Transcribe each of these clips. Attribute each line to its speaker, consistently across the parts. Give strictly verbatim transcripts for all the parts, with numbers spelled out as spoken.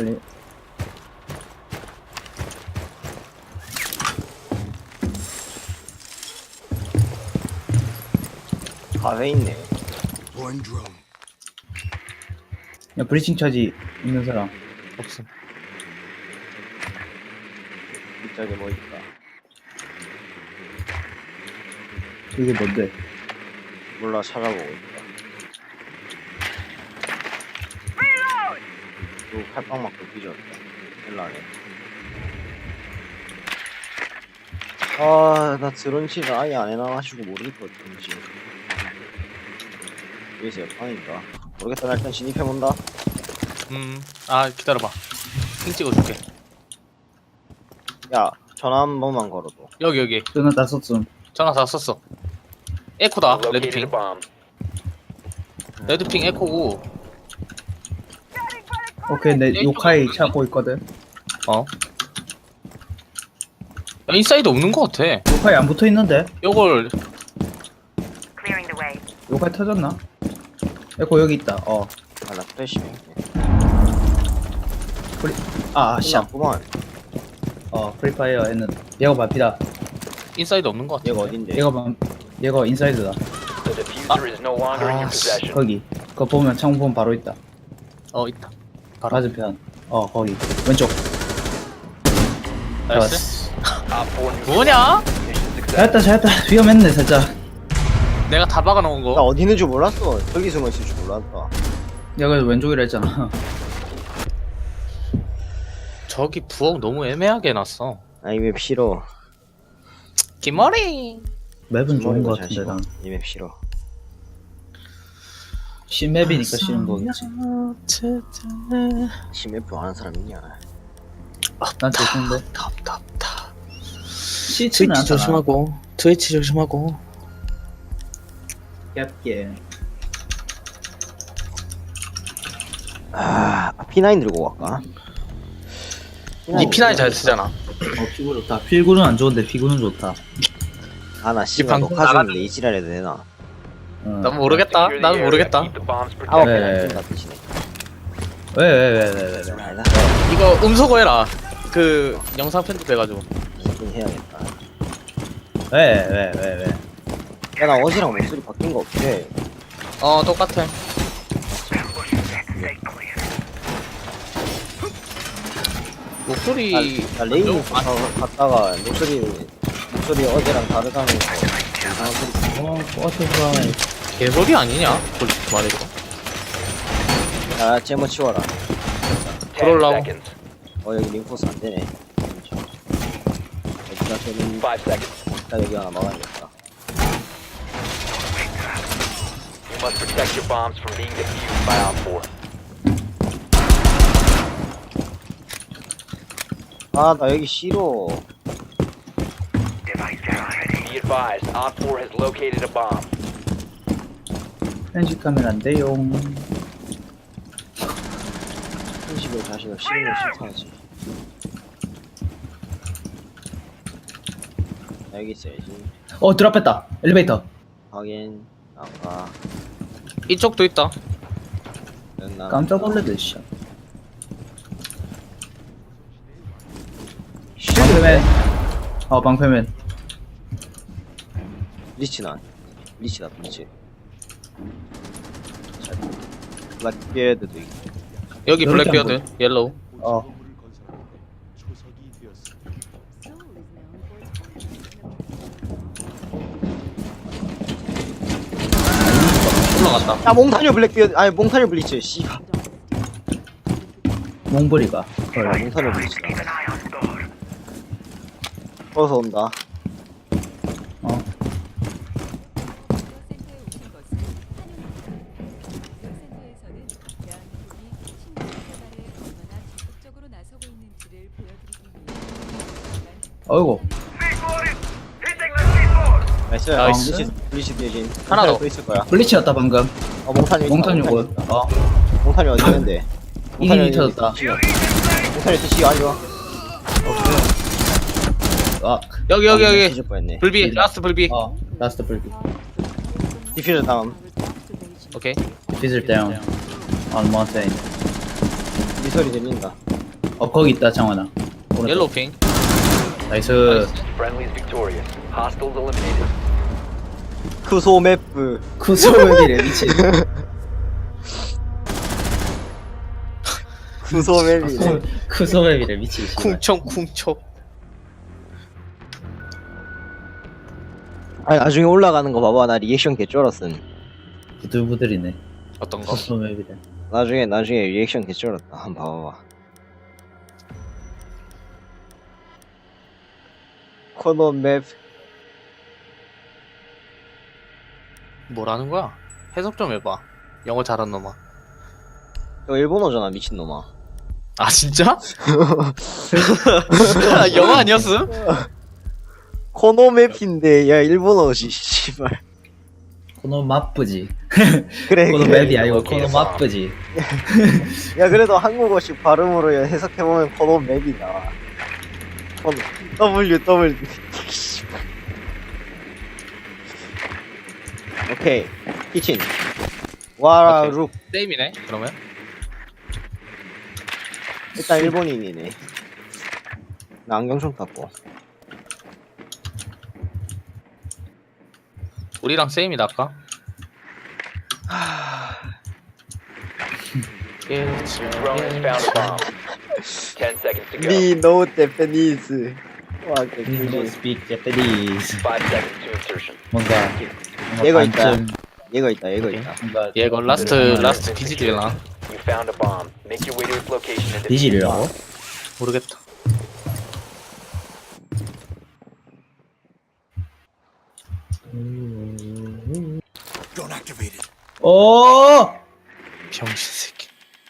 Speaker 1: 빨리.
Speaker 2: 가에 있네.
Speaker 1: 야, 브리칭 차지 있는 사람.
Speaker 3: 없음.
Speaker 2: 이쪽에 뭐 있다.
Speaker 1: 이게 뭔데?
Speaker 2: 몰라, 찾아보고 있다. 또 칼빵 맞고 뒤졌다. 일라네. 아, 나 드론치를 아예 안 해놔가지고 모르겠거든, 지금. 여기서 역방인가? 모르겠다, 나 일단 진입해본다.
Speaker 3: 음. 아 기다려봐. 핑 찍어줄게.
Speaker 2: 야, 전화 한 번만 걸어도.
Speaker 3: 여기 여기.
Speaker 1: 전화 다 썼음.
Speaker 3: 전화 다 썼어. 에코다. 레드핑. 레드핑 에코고.
Speaker 1: 오케이, 내 요카이 찾고 있거든.
Speaker 3: 어. 야, 인사이드 없는 것 같아.
Speaker 1: 요카이 안 붙어 있는데?
Speaker 3: 요걸
Speaker 4: Clearing the way.
Speaker 1: 요카이 터졌나? 에코 여기 있다. 어.
Speaker 2: 아, 나 프레시네.
Speaker 1: 프리. 아, 씨.
Speaker 2: 샤프만.
Speaker 1: 어, 프리파이어 했는데. 얘가 반피다.
Speaker 3: 인사이드 없는 것 같아.
Speaker 2: 얘가 어딘데?
Speaker 1: 얘가 반. 얘가 인사이드다.
Speaker 5: The diffuser is no longer in your
Speaker 3: 아,
Speaker 5: possession.
Speaker 1: 거기. 그거 보면 창문 보면 바로 있다.
Speaker 3: 어 있다.
Speaker 1: 맞은편. 어, 거기. 왼쪽.
Speaker 3: 나이스.
Speaker 5: Op four
Speaker 3: 뭐냐?
Speaker 5: mission success.
Speaker 1: 잘했다, 잘했다. 위험했네, 살짝.
Speaker 3: 내가 다 박아놓은
Speaker 2: 나
Speaker 3: 거.
Speaker 2: 어디 있는 줄 몰랐어. 저기 숨어 있을 줄 몰랐다.
Speaker 1: 얘가 그래서 왼쪽이라 했잖아.
Speaker 3: 저기 부엌 너무 애매하게 해놨어.
Speaker 2: 아, 이 맵 싫어.
Speaker 3: 기머리.
Speaker 1: 맵은 좋은
Speaker 2: 머리가
Speaker 1: 거
Speaker 2: 잘
Speaker 1: 같은데,
Speaker 2: 싫어.
Speaker 1: 난.
Speaker 2: 이 맵 싫어.
Speaker 1: 신맵이니까 싫은 거겠지.
Speaker 2: 심맵 좋아하는 사람 있냐?
Speaker 1: 난 좋던데.
Speaker 3: 답답답.
Speaker 1: 시치는 않잖아.
Speaker 3: 조심하고. 트위치 조심하고.
Speaker 1: 얇게.
Speaker 2: 아, 피 나인 들고 갈까?
Speaker 3: 니 피나이 잘 쓰잖아.
Speaker 1: 어, 피구 좋다. 필구는 안 좋은데, 피구는 좋다.
Speaker 2: 아, 나 씨발
Speaker 3: 방송
Speaker 2: 녹화
Speaker 3: 나가는-
Speaker 2: 중인데 이 지랄해도 되나?
Speaker 1: 응.
Speaker 3: 난 모르겠다.
Speaker 5: Secure the
Speaker 3: 나는
Speaker 5: area.
Speaker 3: 모르겠다.
Speaker 5: Keep the bombs
Speaker 2: 아홉
Speaker 5: protected.
Speaker 1: 네.
Speaker 2: 개나 뛴다 뜻이네.
Speaker 1: 왜, 왜, 왜, 왜, 왜, 왜.
Speaker 2: 아니다.
Speaker 3: 이거 음소거 해라. 그 영상 편집해가지고.
Speaker 2: 이긴 해야겠다.
Speaker 1: 왜, 왜, 왜, 왜.
Speaker 2: 야, 나 어제랑 목소리 바뀐 거 없지?
Speaker 3: 어 똑같아. 목소리.
Speaker 2: 나 레인
Speaker 3: 좀- 아,
Speaker 2: 갔다가 목소리 목소리 어제랑 다르다면서 이상한 소리.
Speaker 1: 어, 버터프라이.
Speaker 3: 개소리 아니냐? 솔직히 말해서.
Speaker 2: 야, 제모 치워라.
Speaker 5: Ten
Speaker 3: 들어올라고.
Speaker 5: seconds.
Speaker 2: 어, 여기 링코스 안 되네. 여기가 되는.
Speaker 5: Five seconds.
Speaker 2: 일단 여기 하나 막아야겠다.
Speaker 5: You must protect your bombs from being defused by Op four.
Speaker 2: 아, 나 여기 싫어.
Speaker 5: Be advised, Op four has located a bomb.
Speaker 1: 편집하면 안 돼요.
Speaker 2: 편집을 자신을 싫으면 싫다지. 나 여기 있어야지.
Speaker 1: 어, 드랍했다. 엘리베이터.
Speaker 2: 확인. 아까.
Speaker 3: 이쪽도 있다.
Speaker 2: 나
Speaker 1: 깜짝 놀래들, 씨. 방패맨. 어, 방패맨.
Speaker 2: 리치나. 리치다, 리치. 블랙비어드도 있고.
Speaker 3: 여기
Speaker 1: 이렇게
Speaker 3: 블랙비어드, 옐로우.
Speaker 1: 어.
Speaker 3: 올라갔다.
Speaker 2: 야, 몽타뉴 블랙비어드, 아니, 몽타뉴 블리츠, 씨발.
Speaker 1: 몽블이가.
Speaker 2: 아,
Speaker 1: 헐.
Speaker 2: 몽타뉴 블리츠다. 어서 온다.
Speaker 1: 어. 어이구.
Speaker 2: 나이스.
Speaker 3: 나이스.
Speaker 2: 블리츠, 블리츠 대신.
Speaker 3: 하나 더.
Speaker 2: 또 있을 거야.
Speaker 1: 블리치였다, 방금.
Speaker 2: 어, 몽타뉴. 있다,
Speaker 1: 몽탄
Speaker 2: 몽타뉴
Speaker 1: 요거.
Speaker 2: 있다.
Speaker 1: 어.
Speaker 2: 몽타뉴 어디 있는데?
Speaker 1: 이름이 터졌다.
Speaker 2: 몽타뉴 뜻이 안 좋아.
Speaker 1: 아,
Speaker 3: 여기 여기 여기.
Speaker 2: 뒤질 뻔했네.
Speaker 3: 불비, 라스트 불비.
Speaker 1: 어. 라스트 불비.
Speaker 2: 디퓨저 다음.
Speaker 3: 오케이.
Speaker 1: Fizzle down on mountain.
Speaker 2: 이 소리 들린다.
Speaker 1: 어 거기 있다 장원아. 오른쪽.
Speaker 3: 옐로우 핑.
Speaker 1: 나이스.
Speaker 5: Friendlies victorious. Hostiles eliminated.
Speaker 2: 쿠소 맵프.
Speaker 1: 쿠소맵이래 미친.
Speaker 2: 쿠소 맵이네.
Speaker 1: 쿠소맵이래 미친. 씨발.
Speaker 3: 쿵청쿵청.
Speaker 2: 아니 나중에 올라가는 거 봐봐. 나 리액션 개 쩔었음.
Speaker 1: 부들부들이네.
Speaker 3: 어떤 거?
Speaker 1: 쿠소맵이래.
Speaker 2: 나중에 나중에 리액션 개 쩔었다. 한번 봐봐봐. 코너 맵.
Speaker 3: 뭐라는 거야? 해석 좀 해봐. 영어 잘한 놈아.
Speaker 2: 저 일본어잖아 미친놈아.
Speaker 3: 아 진짜? 아, 영어 아니었음?
Speaker 2: 코너 맵인데 야 일본어지 씨발.
Speaker 1: 코노 마쁘지.
Speaker 2: 그래
Speaker 1: 코노
Speaker 2: 그래.
Speaker 1: 맵이 아니고 코노 마쁘지.
Speaker 2: 야 그래도 한국어식 발음으로 해석해보면 코너 맵이 나와. 코너 W W. 오케이 키친. 와루.
Speaker 3: 세임이네. 그러면
Speaker 2: 일단 일본인이네. 나 안경 좀 닦고.
Speaker 3: 우리랑 세임이다 아까.
Speaker 5: Drone has found a bomb. Ten seconds to go.
Speaker 2: 미 노 제페니스. 와
Speaker 1: No
Speaker 2: 개꿀지.
Speaker 1: speak Japanese.
Speaker 5: Five seconds to insertion.
Speaker 1: 뭔가 뭔가
Speaker 2: 얘가 있다.
Speaker 1: 반쯤
Speaker 2: 얘가 있다 얘가 있다.
Speaker 1: 뭔가
Speaker 3: 얘거 라스트 라스트 비지들이나
Speaker 5: You found a bomb. Make your way to its location and defuse it.
Speaker 1: 디질이라고?
Speaker 3: 모르겠다.
Speaker 1: 오!
Speaker 3: 병신 새끼.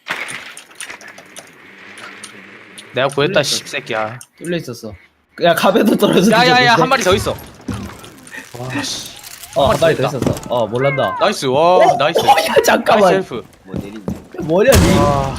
Speaker 3: 내가 구했다 씹새끼야.
Speaker 1: 뚫려 있었어. 야 갑에도 떨어져.
Speaker 3: 야야야 한 마리 더 있어. 와 씨.
Speaker 1: 어한 마리 더
Speaker 3: 있다.
Speaker 1: 있었어. 어 몰란다.
Speaker 3: 나이스 와 나이스.
Speaker 1: 어, 야 잠깐만.
Speaker 3: 나이스 헬프.
Speaker 2: 뭐 내린다.
Speaker 1: 뭐냐 니?
Speaker 3: 와.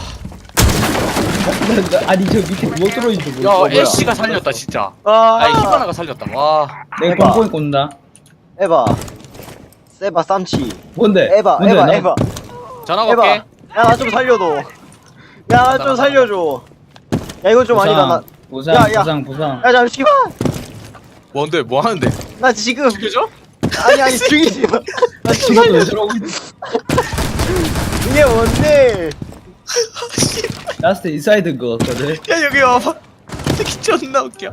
Speaker 1: 나- 나- 아니 저 밑에 뭐 들어있는지
Speaker 3: 야
Speaker 1: 모르겠어.
Speaker 3: 애쉬가 살렸다 진짜. 아니
Speaker 2: 아
Speaker 3: 히바나가 살렸다. 와.
Speaker 1: 내가
Speaker 2: 해봐.
Speaker 1: 뽕뽕이 꽂는다.
Speaker 2: 에바. 세바 쌈치.
Speaker 1: 뭔데?
Speaker 2: 에바
Speaker 1: 뭔데?
Speaker 2: 에바
Speaker 1: 나-
Speaker 2: 에바.
Speaker 3: 전화
Speaker 2: 에바.
Speaker 3: 걸게.
Speaker 2: 야 나 좀 살려줘. 야 나 좀 살려줘. 야 이건 좀 아니다. 나.
Speaker 1: 부상
Speaker 2: 야, 야.
Speaker 1: 부상 부상.
Speaker 2: 야 잠시만.
Speaker 3: 뭔데 뭐 하는데?
Speaker 2: 나 지금
Speaker 3: 죽여줘?
Speaker 2: 아니 아니 죽이지 마. 나 지금
Speaker 1: 이것도 왜 저러고 있-
Speaker 2: 이게 뭔데?
Speaker 1: 라스트 인사이드인 거 같거든.
Speaker 3: 야 여기 와봐. 새끼 존나 웃겨.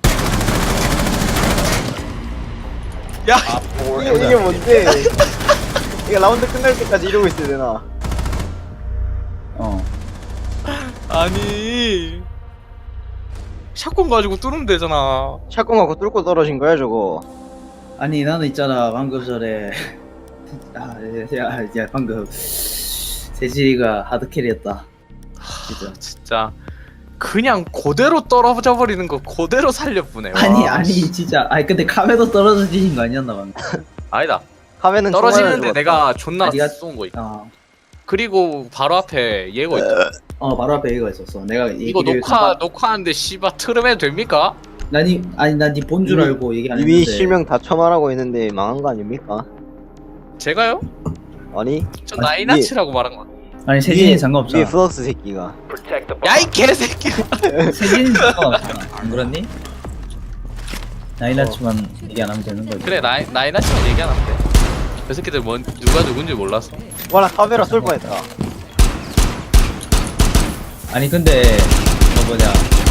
Speaker 3: 야
Speaker 5: Four
Speaker 2: 이게 이게 뭔데? 이게 라운드 끝날 때까지 이러고 있어야 되나?
Speaker 1: 어.
Speaker 3: 아니 샷건 가지고 뚫으면 되잖아.
Speaker 2: 샷건 갖고 뚫고 떨어진 거야 저거.
Speaker 1: 아니 나는 있잖아 방금 전에 아야 야, 방금 세진이가 하드캐리였다. 진짜.
Speaker 3: 진짜 그냥 그대로 떨어져 버리는 거 그대로 살려보네. 와.
Speaker 1: 아니 아니 진짜 아니 근데 카메도 떨어지신 거 아니었나 방금.
Speaker 3: 아니다.
Speaker 2: 카메는
Speaker 3: 떨어지는데 내가 존나
Speaker 1: 아니가-
Speaker 3: 쏜 거 있다.
Speaker 1: 어.
Speaker 3: 그리고 바로 앞에 얘가 있다.
Speaker 1: 어 바로 앞에 얘가 있었어. 내가
Speaker 3: 이거
Speaker 1: 얘기를
Speaker 3: 녹화
Speaker 1: 잠깐-
Speaker 3: 녹화하는데 씨바 틀으면 됩니까?
Speaker 1: 난이 아니 난 니 본 줄
Speaker 2: 이미-
Speaker 1: 알고 얘기 안
Speaker 2: 이미
Speaker 1: 했는데.
Speaker 2: 실명 다 처말하고 있는데 망한 거 아닙니까?
Speaker 3: 제가요?
Speaker 2: 아니
Speaker 3: 저
Speaker 1: 아,
Speaker 3: 나이나치라고 말한 거.
Speaker 1: 아니 세진이
Speaker 2: 위에
Speaker 1: 상관없잖아.
Speaker 2: 플럭스 새끼가.
Speaker 5: Protect the bomb.
Speaker 3: 야이 개새끼.
Speaker 1: 세진이 상관없잖아. 안 그렇니? 나이나치만 얘기 안 하면 되는 거지.
Speaker 3: 그래 나이 나이나치만 얘기 안 하면 돼. 그 새끼들 뭔 누가 누군지 몰랐어.
Speaker 2: 와나 카메라 쏠 뻔했다.
Speaker 1: 아니 근데 뭐 뭐냐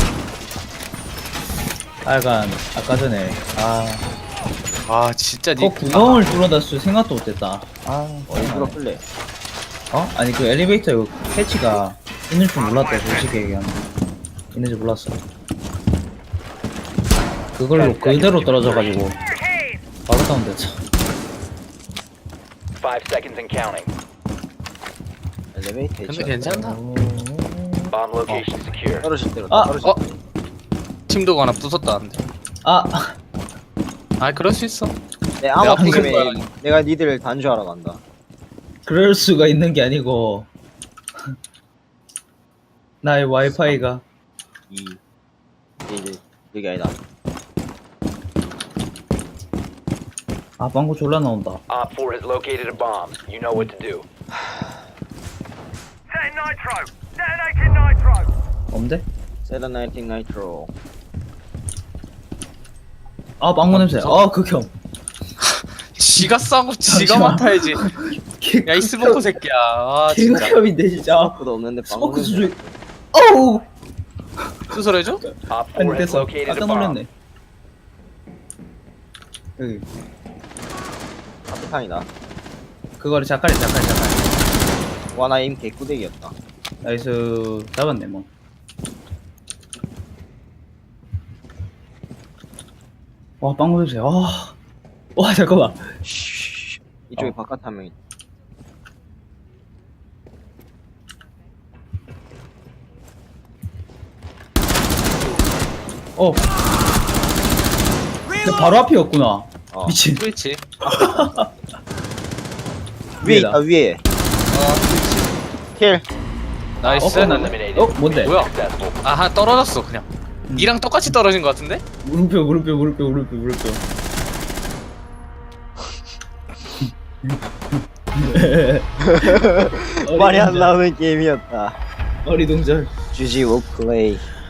Speaker 1: 하여간 아까 전에 아
Speaker 3: 아 진짜
Speaker 1: 그
Speaker 3: 니
Speaker 1: 구멍을 뚫어다 쓸 생각도 못했다. 아
Speaker 2: 어 일부러 끌래.
Speaker 1: 어? 아니 그 엘리베이터 이거 패치가 있는 줄 몰랐다 솔직히 얘기하면. 있는 줄 몰랐어. 그걸로 그대로 떨어져가지고 바로 다운됐어.
Speaker 5: Five seconds and counting.
Speaker 2: 엘리베이터
Speaker 3: 근데 괜찮다.
Speaker 5: Bomb location secure.
Speaker 2: 떨어질 대로
Speaker 1: 아,
Speaker 2: 떨어질
Speaker 3: 어? 팀도 하나 부쉈다는데.
Speaker 1: 아
Speaker 3: 아 그럴 수 있어.
Speaker 2: 내 암호
Speaker 3: 내가 부순
Speaker 2: 때문에
Speaker 3: 거야.
Speaker 2: 내가 니들을 단주하러 간다.
Speaker 1: 그럴 수가 있는 게 아니고 나의 와이파이가
Speaker 2: 이 이제 여기 아니다.
Speaker 1: 아 방구 졸라 나온다.
Speaker 5: Op four has located a bomb. You know what to do.
Speaker 4: Set nitro. Detonating nitro.
Speaker 1: 없는데?
Speaker 2: 세레나이팅 나이트로.
Speaker 1: 아 빵모 냄새. 아 극혐.
Speaker 3: 지가 싸고 지가
Speaker 1: 잠시만.
Speaker 3: 맡아야지. 야 이 스모커 새끼야. 아 진짜.
Speaker 1: 극혐인데 진짜.
Speaker 2: 아무도 없는데
Speaker 1: 스모크
Speaker 2: 방금
Speaker 1: 수준. 어우.
Speaker 3: 수술해줘?
Speaker 5: Op
Speaker 1: 아니
Speaker 5: four has
Speaker 1: 됐어.
Speaker 5: located a
Speaker 1: 깜짝
Speaker 5: bomb.
Speaker 1: 놀랐네. 여기
Speaker 2: 카피탄이다.
Speaker 1: 그거를 작가리 작가리 작가리.
Speaker 2: 와나 임 개꾸대기였다.
Speaker 1: 나이스 잡았네 뭐. 와 빵모 냄새. 아. 와 잠깐만.
Speaker 2: 이쪽에
Speaker 1: 어.
Speaker 2: 바깥 한 명 있다.
Speaker 1: 어. 근데 바로 앞이었구나.
Speaker 2: 어.
Speaker 1: 미친.
Speaker 3: 그렇지.
Speaker 2: 위에
Speaker 1: 위에다.
Speaker 2: 있다 위에. 킬.
Speaker 3: 나이스.
Speaker 1: 어,
Speaker 3: 나는.
Speaker 5: Eliminated.
Speaker 1: 어, 뭔데?
Speaker 5: Mission
Speaker 3: 뭐야?
Speaker 5: successful.
Speaker 3: 아하 떨어졌어 그냥.
Speaker 1: 음.
Speaker 3: 니랑 똑같이 떨어진 것 같은데?
Speaker 1: 물음표 물음표 물음표 물음표 물음표.
Speaker 2: 말이 안 나오는 게임이었다.
Speaker 1: 어리동절.
Speaker 2: 주지 will play.